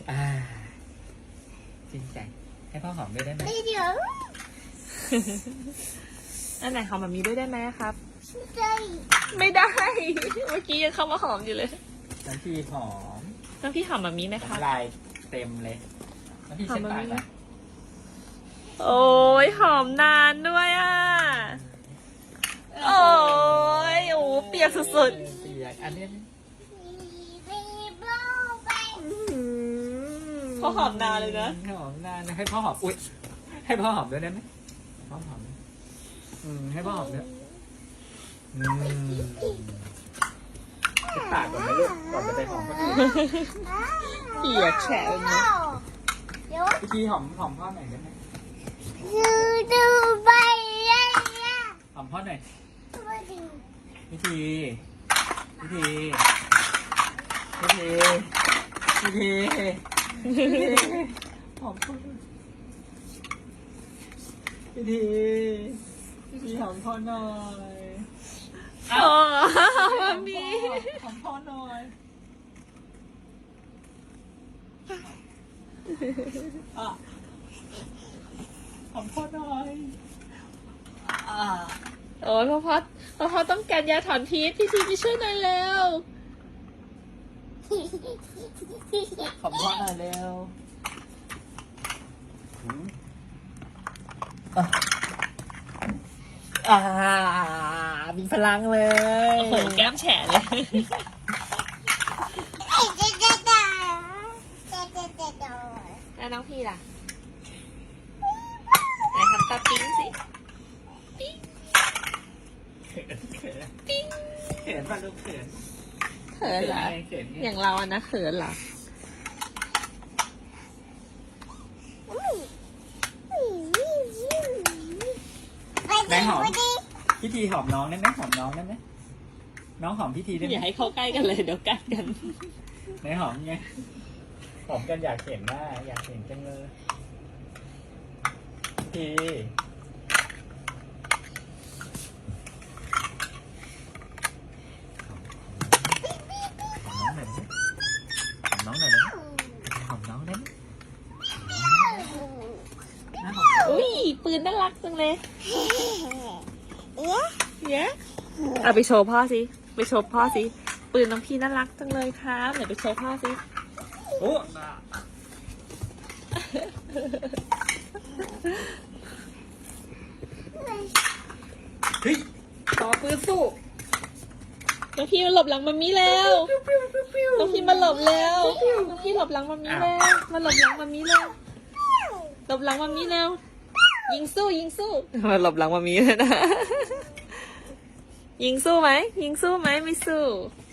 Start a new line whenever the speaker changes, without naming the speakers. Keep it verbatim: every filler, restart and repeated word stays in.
อ่าจริงใจให้พ่อหอมด้วยได้ไหม
ไม่เดี๋ยว
อันไหนหอมแบบนี้ด้วยได้ไหมครับ
ใจ
ไม่ได้ เมื่อกี้ยังเข้ามาหอมอยู่เลย
น้ำพี่หอม
น้องพี่หอมแบบนี้ไหมครับ
น้ำลายเต็มเลยน้ำพี่เช็ดปากนะ
โอ้ยหอมนานด้วยอ่ะ โอ้ยโอ้เปียกสุด
เปียกอันนี้
มีโบไป
ๆเขาหอมนานเลยนะ
หอมนานนะให้พ่อหอมอุ้ยให้พ่อหอมด้วยได้ไหมพ่อหอมอืมให้พ่อหอมด้วยอืมเช็ดปากก่อนนะลูกก่อนจะไปหอมคนอื่น
เปียกแฉะเลยนะ
เดี๋ยว
พี่ทีหอมหอมพ่อหน่อยได้ไหม
ดูดูไปเลยนะ
หอมพ่อหน่อย
มาดู
พี่ทีพี่ทีพี่ทีพี่ทีพี่ทีหอมพ่อหน่อยพี่ทีพี่ทีหอมพ่อหน่อย
โอ้มามี
หอมพ่อหน่อยอ่ะหอมพ่อหน่อยอ่ะ
โอ้ยพ่อพ่อพ่อพ่อต้องการยาถอนพิษพี่ทีไปช่วยหน่อยเร็ว
หอมพ่อหน่อยเร็วหืมอ่ะอ่ามีพลังเลย
โอ้โหแก้มแฉะเลย
ไอ้เจ๊เจ๊เจ๊เจ๊เจ๊เจ๊เจ๊
แล้วน้องพี่ล่ะไหนทำตาปิ๊งสิ
เขินเขินเขินป่ะลูกเขิน
เขินเหรอ
ไงเขินไง
อย่างเราอะนะเขินเหรอ
ไหนหอมพี่ทีหอมน้องได้ไหมหอมน้องได้ไหมน้องหอมพี่ทีได้ไห
อย่าม ให้เข้าใกล้กันเลยเดี๋ยวกัดกัน
ไหนหอมไงหอมกันอยากเห็นว่าอยากเห็นจังเลยพี่ทีหอมน้องหน่อยได้ไหมหอมน้องหน่อยได้ไหมหอมน้องได้ไหมหอม
อุ้ยปืนน่ารักจังเลย
เอ๊ะ
เย้เอาไปโชว์พ่อสิไปโชว์พ่อสิปืนน้องพี่น่ารักจังเลยครับไหนไปโชว์พ่อสิ
โอ้เฮ้ยต่อปืนสู้
น้องพี่มาหลบหลังมัมมี่แล้วน้องพี่มาหลบแล้วน้องพี่หลบหลังมัมมี่แล้วมาหลบหลังมัมมี่แล้วหลบหลังมัมมี่แล้วยิงสู้ยิงสู้มาหลบหลังมัมมี่เลยนะยิงสู้ไหมยิงสู้ไหมไม่สู้